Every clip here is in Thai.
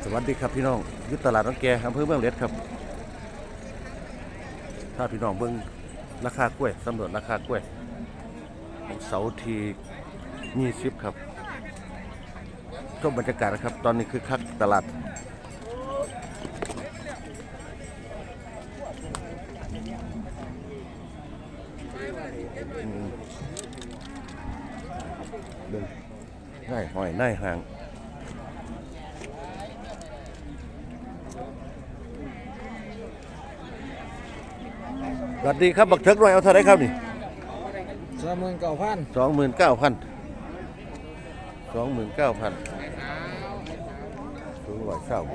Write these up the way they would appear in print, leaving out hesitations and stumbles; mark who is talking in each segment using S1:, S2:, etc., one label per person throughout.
S1: สวัสดีครับพี่น้องยุทธตลาดน้องแกอำเภอเมืองเล็ดครับถ้าพี่น้องเบิ่งราคากล้วยสำรวจราคากล้วยของเสาร์ที่20ครับชมบรรยากาศนะครับตอนนี้คือคักตลาดเดินง่ายหอยง่ายห่างสวัสดีครับบักเทิกหน่อยเอาเท่าไรครับนี่
S2: 29,000
S1: 29,000สูง100เศร้า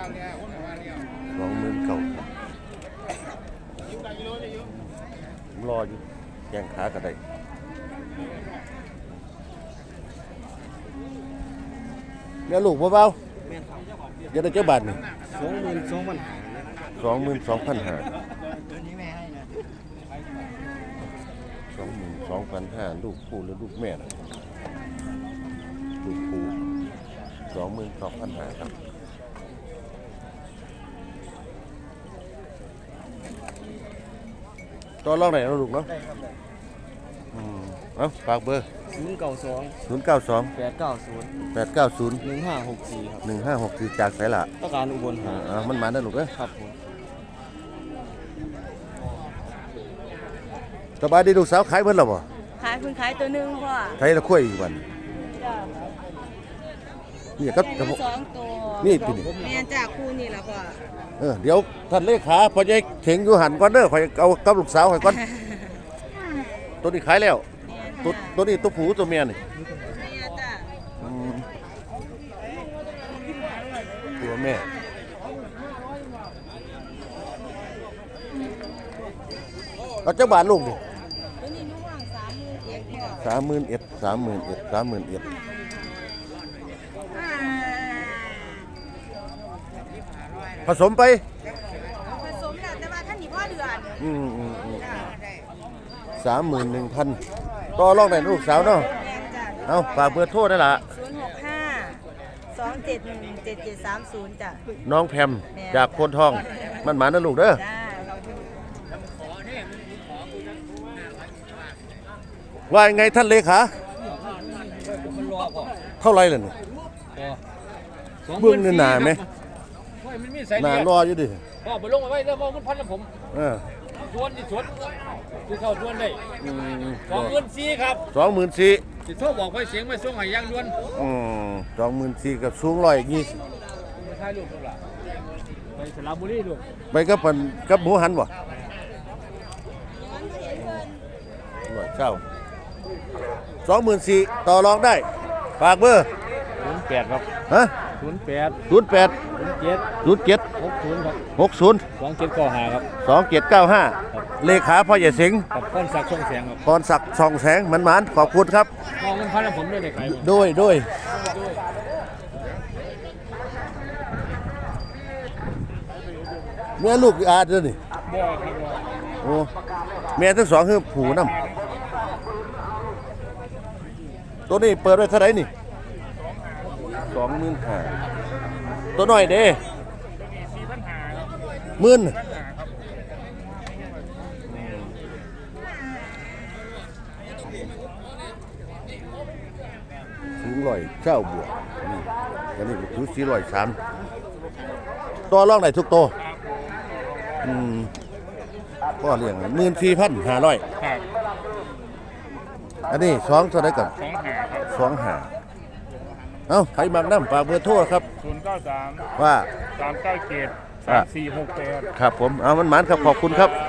S1: 29,000รออยู่แย่งขากันได้เนี่ยลูกเบาๆจะได้เจ้าบาทนี่22,500 22,500ลูกคู่หรือลูกแม่นะลูกคู่22,500ครับตัวลองไหนเราลูกเนาะเอาฝากเบอร์092 890 1564จากไสละ
S2: ต้องการอุบลหา
S1: มันมาได้ลูกเอ้ย
S2: ครับผม
S1: สบายดีลูกสาวขายเพิ่นแล้วบ่
S3: ขายคุณขายตัวหนึ่งพ่อ
S1: ไทยละคุยอีกวันนี่ก็
S3: 2ตัว
S1: นี่ปีนี้
S3: แม่นจากคู่นี่ล่ะพ่อ
S1: เดี๋ยวท่านเลขาพอจะเข็งอยู่หันก่อนเด้อข่อยเอากับลูกสาวข่อยก่อนตัวนี้ขายแล้วตัวนี้ตัวผู้ตัวเมียนี่ตัวแม่เอาเจ้าบาทลูกดิ
S3: ตัวนี้นุ่งว่าง31,000
S1: ผสมไป
S3: ผสมแล้วแต่ว่าท่านนี่พ่อเดือน
S1: 31,000ต่อรองได้ลูกสาวเนาะเอาฝากเบอร์โทรได้ล่ะ
S3: 065 271 7730จ้ะ
S1: น้องแพมจากโพนทองมันหมานะลูกเด้อว่ายังไงท่านเลขาเท่าไรล่ะนี่เบื้องนี่หนาไหมหนารออยู่ดิ
S2: พ่อไปลงมาไว้แล้วพ่อมันพันแล้วผมชวนที่เข้าชวนได้24,000ครับ
S1: 24,000
S2: สิโทรบอกไว้เสียงไม่ส่งให้ยังด่วน
S1: 24,000กับสูง120
S2: ถ่ายรูปลูกล่ะไปสระบุรีลูก
S1: ไปกับหมูหันบ่เจ้า24,000ต่อรองได้ฝากเบอร์
S2: 08ครับ
S1: ฮะ
S2: 08
S1: 07
S2: 60ครับ
S1: 60
S2: 2795ครับ
S1: 2795เลขาพ่อใหญ่สิงห์
S2: กับพรศักดิ์ช่องแสงครับ
S1: พรศักดิ์ช่องแสงมันขอบคุณครับ
S2: มองเงินพันแล้วผมได้ขาย
S1: ด้วยแม่ลูกอาเด้อนี่
S2: บ่ครับ
S1: โอ้แม่ทั้งสองคือผูนำตัวนี้เปิดไว้เท่าไหร่นี่25,000ตัวน้อยเด้10,000สูง100บวกนี่อันนี้ถือ403ตัวรองได้ทุกตัวก็เลี้ยง14,500อันนี้2เท่าไหร่ก่อน25เอ้าใครมักน้ำฝากเบอร์โทรครับ
S2: 093
S1: ว่า
S2: 397 3468
S1: ครับผมเอามันหมานครับขอบคุณครับ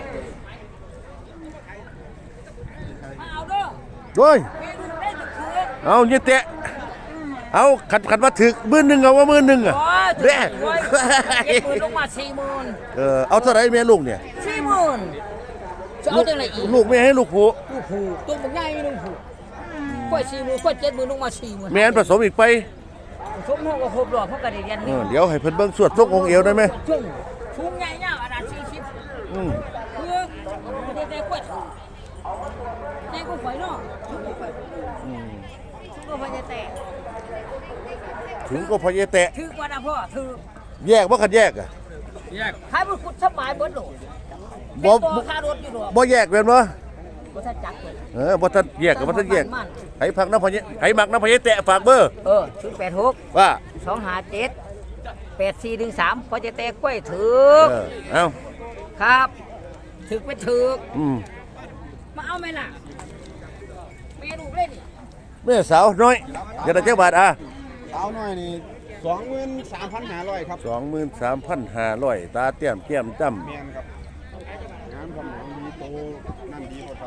S1: ด้วยเอาเยอะแตะเอาขัดว่าถึก10,000เอาว่า10,000อ่ะ
S3: เด้70,000ลงมา40,000
S1: เอาเท่าไหร่แม่ลูกเนี่ย
S3: 40,000จะเอาจังได๋อีก
S1: ลูกแม่ให้ลูกผู้
S3: ตัวบักใหญ่ลูกผู้ค่อย40,000ค่อย70,000ลงมา40,000
S1: แม่นผสมอีกไป
S3: ผสมเฮาก็ครบรอบเฮาก็ได้เรียน
S1: เดี๋ยวให้เพิ่นเบิ่งสวดทรงองค์เอวได้มั้ย
S3: สูงใหญ่ยาวขนาด40คือได้กล้วยได้กล้วยเนาะก็พอจะแตก
S1: ถึงก็พอเยแตะ
S3: ถือกว่านะพ่อถือ
S1: แยกว่าคันแยกอ่ะ
S2: แยก
S3: ให้มันขุดสบายเบิดโหล
S1: บ่
S3: เป็นตัวค่ารถอยู่ดอก
S1: บ่แยกเป็นบ่
S3: บ่ทันจักเลย
S1: บ่ทันแยกกับบ่ทันแยก
S3: มัน
S1: ไผพักน้ำพอเยไผมักน้ำพอเยแตะฝากเบอร์
S3: 086
S1: ว่า
S3: 257 8413พอจะแตกกล้วยถือ
S1: เอ้า
S3: ครับถือไปถือ มาเอาไหมล่ะเมนูเล่น
S1: แม่สาวน้อยอย่าได้จักบาทอ่ะ
S4: สาวน้อยนี่23,500ครับ
S1: 23,500ตาเตี้ยมแก้มจ้ำ
S4: แมนครับงานสมองดีโตนั่นดีหมดครับ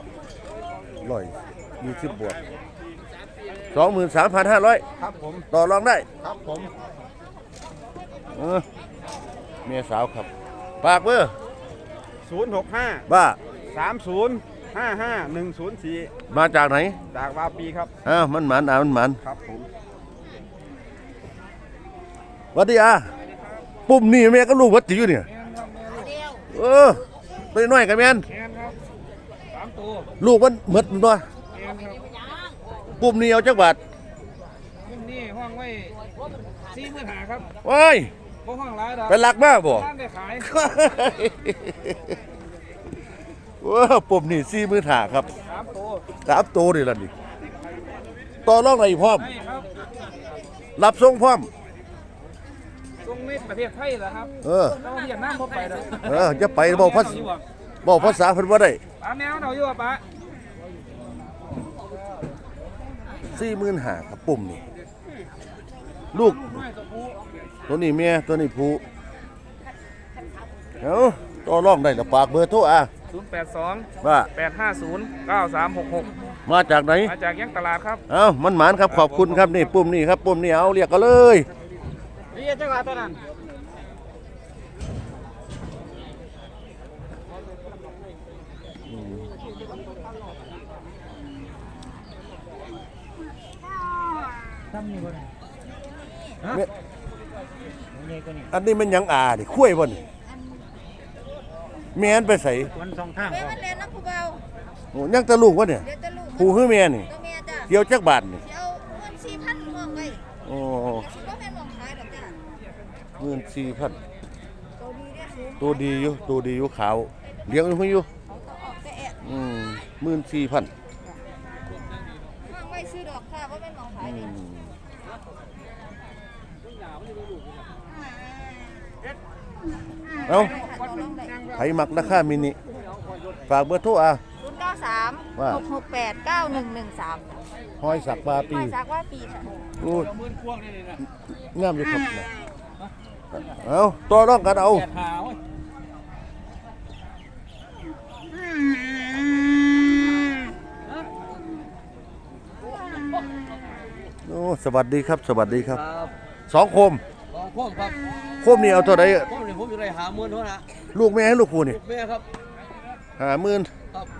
S1: 120บวก23,500
S4: ครับผม
S1: ต่อรองได้
S4: ครับผม
S1: เมียสาวครับฝากเบอร์
S4: 065
S1: บ้า
S4: 3055 104
S1: มาจากไหน
S4: จากวาปีครับ
S1: อ้าวมันหมันมันหมัน
S4: ครับผม
S1: หวัดดีอ่ะปุ่มนี่แม่ก็ลูกวัดติอยู่เนี่ยตัวน้อยกันแม่น
S2: แอนครับ3ตัว
S1: ลูกมันหมดบ่
S2: แอนครับ
S1: ปุ่มนี่เอาจักบาท
S2: รุ่นนี้ห้องไว้45,000ครับ
S1: ว้าย
S2: บ่ห้องหลายดอก
S1: เป็นหลักมากบ่
S2: บ้านได้ขาย
S1: ว้าปุ่มนี่40,000ครับ
S2: 3ตัว
S1: 3ตัวนี่ล่ะนี่ต่อรองได้พร้อม
S2: ให้ครับ
S1: รับส่งพร้อม
S2: ตรงนี้ประเทศไทยเหรอครับ เราเวียดนามบ่ไปดอก
S1: จะไปบอกภาษาเพิ่นบ่ได้
S2: ปลาแมวเนาอยู่อ่ะปะ
S1: 45,000ครับปุ่มนี่ลูกตัวนี้เมียตัวนี้ผู้เอ้าต่อรองได้แล้วฝากเบอร์โทรอ่ะ
S2: 082
S1: ว่า
S2: 850 9366
S1: มาจากไหน
S2: มาจากยังตลาดครับ
S1: เอ้ามันหมานครับขอบคุณครับนี่ปุ่มนี่ครับปุ่มนี่เอาเรียกกันเลย
S2: นี่จังหวัดตัวนั้น
S1: เนี่ยอันนี้มันหยังดิคุ้ยบ่นี่แม่นไปใส่
S2: วันสองทาง
S3: แม่มันเล่นน้ำผู้เบา
S1: โอ้ยังแตะลูกวะเนี่ย
S3: เดี๋ยวจะลูก
S1: ผู้ฮื้อแม่นี่
S3: ตัวแม่จ้ะ
S1: เกี่ยวจักบาทนี่
S3: เดี๋ยวเงิน4,000มองไว้
S1: โอ้
S3: สิบ่แม่นมองขายดอกจ้ะ
S1: 14,000
S3: ตัวดีเด้อสูง
S1: ตัวดีอยู่ขาวเลี้ยงอยู่
S3: เขาต้องออกแต่แอะ
S1: 14,000
S3: มองไว้ซื้อดอกค่ะบ่แม่นมองขายนี่
S1: เอ้า
S3: ต่อรองได้
S1: ไผมักราคามินิฝากเบอร์โทรอ่ะ
S3: 093
S1: ว่า
S3: 668 9113
S1: ห้อยสักปลาปี
S3: มาจากว่าปีค่ะ
S1: โอ้ย
S2: มื่นพวกนี่นะ
S1: งามอยู่ครับเนี่ยเอาต่อรองกันเอา
S2: แปดหาเว้ย
S1: โอ้สวัสดีครับ สวัสดีครับ
S5: ครับ
S1: สองโคม
S5: ลองพ่อมครับ
S1: โคมนี่เอาเท่าไหร่
S5: พ่อมนี่ผมอยู่ใน50,000เท่านั้นนะ
S1: ลูกแม่ให้ลูกครูนี่
S5: แม่ครับ
S1: 50,000
S5: ครับ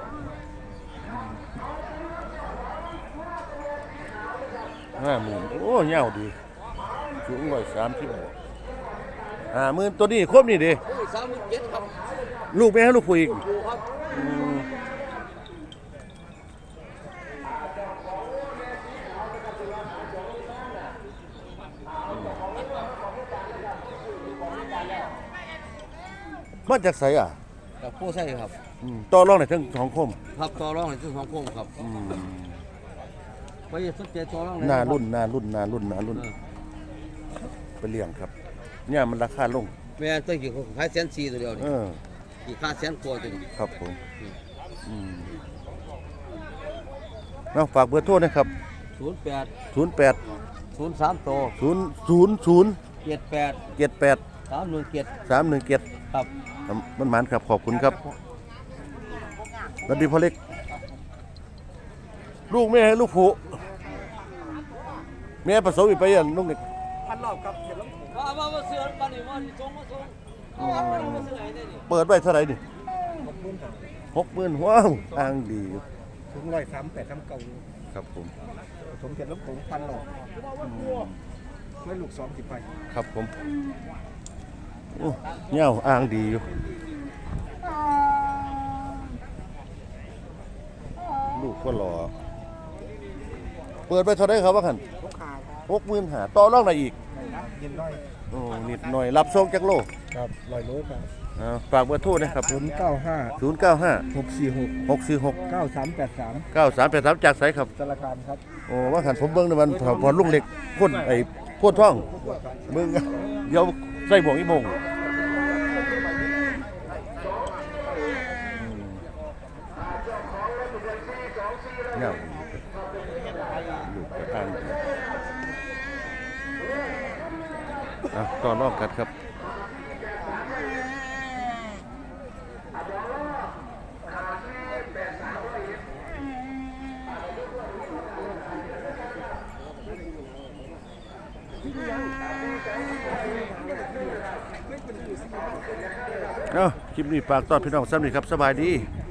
S1: 50,000โอ้เงาดีสูง130บวก50,000ตัวนี้โคมนี่ดิ
S5: โอ้ย37,000ครับ
S1: ลูกแม่ให้ลูกครูอีก
S5: อยู่ครับ
S1: มาจากไสอ่ะ
S5: กับผู้ใช่ครับ
S1: ต่อรองได้ทั้งสองโคม
S5: ครับต่อรองในซึ่งของผมครับไปสนใจต่อรองเลย
S1: หน้ารุ่นไปเลี้ยงครับเนี่ยมันราคาลง
S5: แม่ตัวกี่ขาย1,400ตัวเดียวนี่กี่ค่า100,000ตัวตัวนี้
S1: ครับผมเอาฝากเบอร์โทรนะครับ
S5: 08
S1: 08
S5: 03โต
S1: 000
S5: 78
S1: 78
S5: 317
S1: 317
S5: ครับ
S1: มันหมานครับขอบคุณครับสวัสดีพ่อเล็ก ลูกแม่ให้ลูกผู้แม่ผสมอีกไปอ่ะลูกเด็ก
S5: มาเสือบ้านนี่มาส่งมาส่งเอามาเสือให้ได้นี่
S1: เปิดไว้เท่าไหร่นี่60,000ว้าวอ้างดีอยู่
S4: ถึง138
S1: ครับผม
S4: 39สมเด็จหลวงปู่พันหลอกไม่ลูก2 10ไป
S1: ครับผมโอ้เงี้ยวอ้างดีอยู่ลูกก็รอเปิดไปเท่าไหร่ครับว่าคัน
S4: ลูกค้าครับ
S1: 65,000ต่อรองได้อีก
S4: ยินน้อย
S1: โอ้นิดหน่อยรับส่งจักโล
S4: ครับ100 โลครับ
S1: ฝากเบอร์โทรนะครับ
S4: 095
S1: 095
S4: 646
S1: 646
S4: 9383
S1: 9383จากไสครับ
S4: สารคามครับ
S1: โอ้ว่าหันผมเบิ่งในมันพอลุงเล็กพ่นไอ้พ่นท่องเบิ่งเดี๋ยวใส่บ่วงอีโมงเงาลูกกระทานต่อรองกันครับคลิปนี้ฝากต้อนพี่น้องซ้ำนี่ครับสบายดี